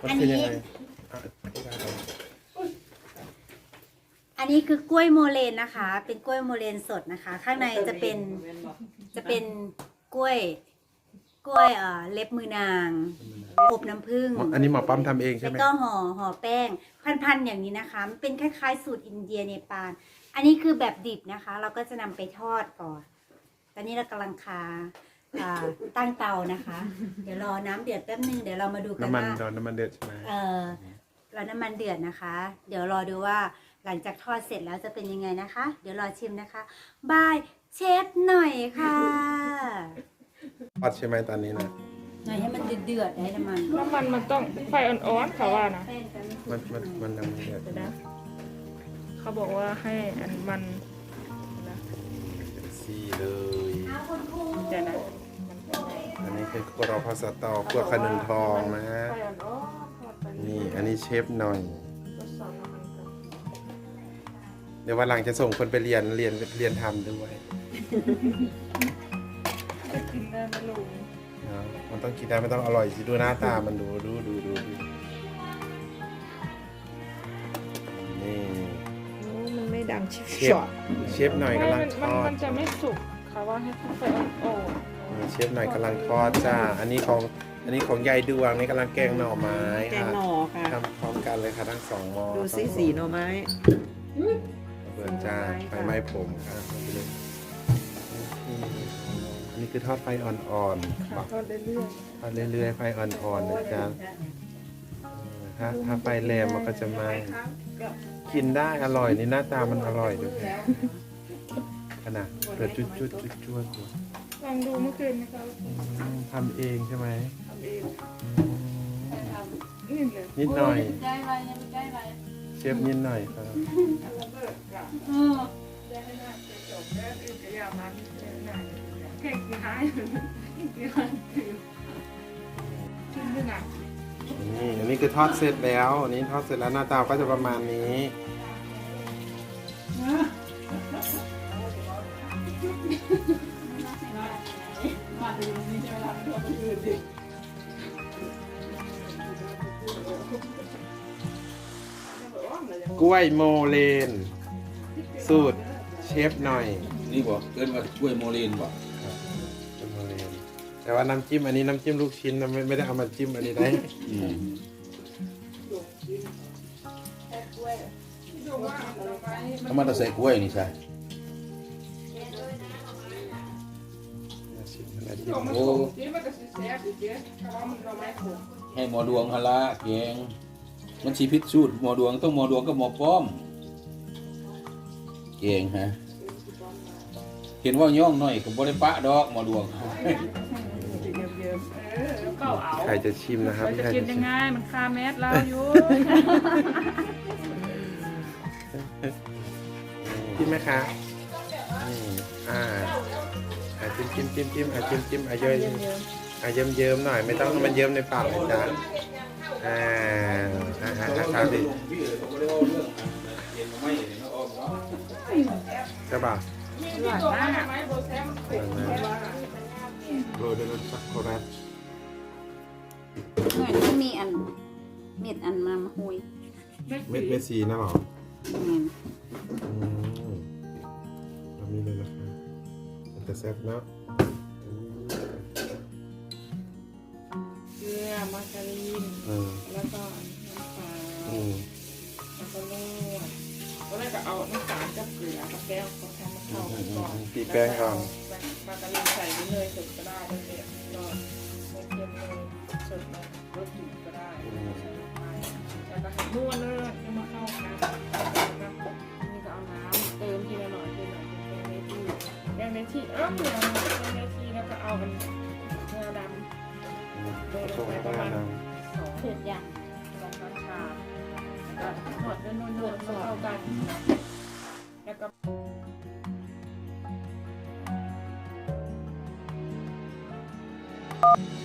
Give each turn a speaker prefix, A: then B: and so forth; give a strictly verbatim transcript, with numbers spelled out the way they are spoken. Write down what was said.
A: มันคือยังไง
B: อันนี้คือกล้วยโมเลนนะคะ เป็นกล้วยโมเลนสดนะคะ ข้างในจะเป็นจะเป็นกล้วยกล้วยเอ่อเล็บมือนางอบน้ำผึ้ง
A: อันนี้หมอปั๊มทำเองใช่
B: แล้ว
A: ไหม
B: ก็ห่อห่อแป้งพันๆอย่างนี้นะคะมันเป็นคล้ายๆสูตรอินเดียเนปาลอันนี้คือแบบดิบนะคะ เราก็จะนำไปทอดก่อนตอนนี้เรากำลังคาอ่าตั้งเตานะคะ เดี๋ยวรอน้ำเดือดแป๊บนึงเดี๋ยวเรามาดูกัน
A: น้ำมัน
B: ว่า
A: โดนน้ำมันเดือดใช่ไหม
B: เออเราน้ำมันเดือดนะคะ เดี๋ยวรอดูว่าหลังจากทอดเสร็จแล้วจะเป็นยังไงนะคะ เดี๋ยวรอชิมนะคะบายเชฟหน่อยค่ะ
A: ทอดใช่ไหมตอนนี้นะ
B: หน่อยให้มันเดือดๆให้น้ำมัน
C: น้ำมันมันต้องไฟอ่อนๆเขาว่านะ
B: แป้งกัน
A: มันมันมันยังไม่เดือด
C: เดี๋ยวนะเขาบอกว่าให้อันมันนะ
A: ซีเลย
B: เอาคุณครู
C: เดี๋ยวนะมันเป็นไง
A: อันนี้คือครัวพาสต้าครัวขนุนทองนะฮะ
C: ไฟอ่อนๆทอดไป
A: นี่อันนี้เชฟหน่อย
C: ทดสอบน้ำมันก่อน
A: เดี๋ยววันหลังจะส่งคนไปเรียนเรียนเรียนทำด้วย
C: จะกินได้ไหมลุง
A: เนาะมันต้องกินได้มันต้องอร่อยสิดูหน้าตามันดูดูดูดูดูนี่
D: โอ้มันไม่ดังชิบ
A: เชฟ
D: ช็อต
A: เชฟหน่อยกำลัง
C: มัน
A: ท
C: มัน
A: อด
C: มันจะไม่สุกเขาว่าให้ไฟอ่อน
A: นี่เชฟหน่อยกำลังทอดจ้าอันนี้ของอันนี้ของยายดวงนี่กำลังแกงหน่อไม้
D: แกง
A: ค่ะ
D: หน่อค่ะ
A: ทำพร้อมกันเลยค่ะทั้งสองหม้อ
D: ดูสีสีหน่อไม้
A: เปิดจ้าไฟไหม้ผมค่ะอันนี้คือทอดไฟอ่อนๆ
C: ๆค่ะทอดเรื่อย
A: ทอดเรื่อยๆไฟอ่อนๆนะจ๊ะเออถ้าถ้าไฟแรงมันก็จะไหม้กินได้อร่อยนี่หน้าตามันอร่อยด้วยขนาดเกิดจุดจุดจุดจุด
C: ๆลองดูเมื่อคืนนะคะ
A: ทำเองใช่ไหม
C: ทำเอง
A: อืม
C: นี่เลย
A: นิดหน่อย
B: ได้ไรยังไม่ได้ไร
A: เชฟนิดหน่อยครับ
C: ระเบิดกะ
B: เออ
C: ได้ให้น่าจะจบแล้วอื่นจะอยากมาที่เจ้าหน้าแข่งกี่หายกี่หายคือชิ้นด้วยนะ
A: นี่อันนี้คือทอดเสร็จแล้วอันนี้ทอดเสร็จแล้วหน้าตาก็จะประมาณนี้กล้วยโมเลน สูตรเชฟหน่อย
E: นี่บอกเกินมาช่วยโมเลนบอก
A: เป็นโมเลนแต่ว่าน้ำจิ้มอันนี้น้ำจิ้มลูกชิ้นนะไม่ไม่ได้เอามาจิ้มอันนี้ได้
E: ถ้ามันจะใส่กล้วยนี่ใช่โอ้ให้หมอดวงฮาละแกงมันชีพิษสูตรหมอดวงต้องหมอดวงกับหมอป้อมแกงฮะเห็นว่าย่องหน่อยกับบริปะดอกหมอดวง
C: เก้าเอา
A: ใครจะชิมนะครับ
C: เราจะ
A: ใคร
C: กิน
A: จะ
C: ยั
A: ชิ
C: ง
A: ม
C: ไงมันคาแมสเราอยู่
A: จิ้มไหมคะนี่อ่าอ่าจิ้มจิ้มจิ้มจิ้มอ่าจิ้มจิ้มอ่าเยอะอ่าเยิ้มเยิ้มหน่อยไม่ต้องให้มันเยิ้มในปากเลยจ้าอ่าอ่าอ่าอ่าครับดิใช่ป่ะ
C: หวานมาก
A: โรยด้วยรสช็อกโกแลต
B: เหมือนมันมีอันเม็ดอันมามาหุย
A: เม็ดเม็ดสีนะหรอ
B: อืม
A: อืมเรามีเลยนะคะมันจะแซ่บเนาะ
C: เกลือมาการีน
A: เออ
C: แล้วก็น้ำปลา
A: อืม
C: แล้วก็นวดตอนแรกก็เอาน้ำตาลกับเกลือกับแก้วเขาทำมาเข้ากันก่อนมาการีนใส่เนยสดก็ได้แล้วเสร็จก็ไม่เค็มเลยสดเลยรสจืดก็ได้แล้วก็นวดเลยให้มาเข้ากันนี่ก็เอาน้ำเติมทีละหน่อยทีละหน่อยเป็นแกงเนทีแกงเนทีเออเกลือแกงเนทีแล้วก็เอากันเนื้อดำ
A: ผสมกันนะ
C: สอง
B: เผ็ดอย่าง
C: สองช้อนชาแล้วก็ทอดด้วยนวลๆเข้ากันแล้วก็
A: อ